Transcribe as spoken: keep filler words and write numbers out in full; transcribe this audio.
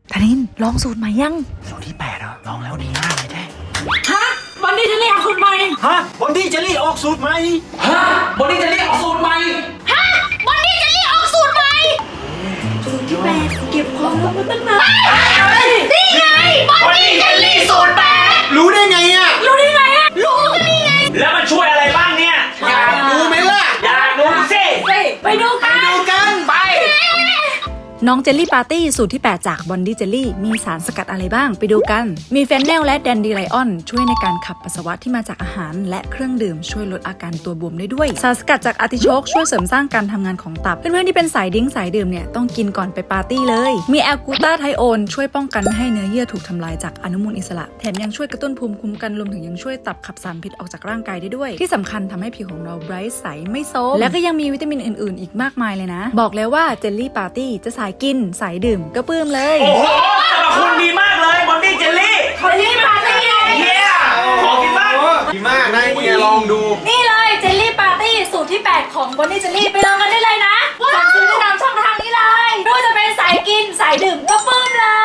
ธนินลองสูตรใหม่ยังสูตรที่แปดเหรอลองแล้วดีมากเลยแท้ฮะวันนี้จะเรียกสูตรใหม่ฮะวันนี้จะรีออกสูตรใหม่ฮะวันนี้จะเรียกออกสูตรใหม่ฮะวันนี้จะเรียกออกสูตรใหม่สูตรที่แปดเก็บความลับมาตั้งนานนี่ไงวันนี้จะเรียกสูตรแปดรู้ได้ไงอ่ะรู้ได้ไงอะรู้ก็นี่ไงแล้วมันช่วยอะไรบ้างเนี่ยอยากรู้ไหมล่ะอยากรู้สิไปดูกันดูกันไปน้องเจลลี่ปาร์ตี้สูตรที่แปดจากบอนดี้เจลลี่มีสารสกัดอะไรบ้างไปดูกันมีเฟนเนลและแดนดีไลออนช่วยในการขับปัสสาวะที่มาจากอาหารและเครื่องดื่มช่วยลดอาการตัวบวมได้ด้วยสารสกัดจากอาร์ติโชกช่วยเสริมสร้างการทำงานของตับเพื่อนๆที่เป็นสายดิ้งสายดื่มเนี่ยต้องกินก่อนไปปาร์ตี้เลยมีแอลกูตาไทโอนช่วยป้องกันไม่ให้เนื้อเยื่อถูกทำลายจากอนุมูลอิสระแถมยังช่วยกระตุ้นภูมิคุ้มกันรวมถึงยังช่วยตับขับสารพิษออกจากร่างกายได้ด้วยที่สำคัญทำให้ผิวของเราไบรท์ใสไม่โซมและก็ยังมีวิตามินอื่นๆอีกมากมายเลยนะบอกเลยว่าเจลลี่ปาร์ตี้จะสายกินสายดื่มก็ปื้มเลยโอ้โหสรรพคุณดีมากเลยบอนดี้เจลลี่บอนดี้ปาร์ตี้เย้ขอกินบ้างดีมากนะเฮียลองดูนี่เลยเจลลี่ปาร์ตี้สูตรที่แปดของบอนดี้เจลลี่ไปลองกันได้เลยนะสั่งซื้อได้ตามช่องทางนี้เลยไม่ว่าจะเป็นสายกินสายดื่มก็ปื้มเลย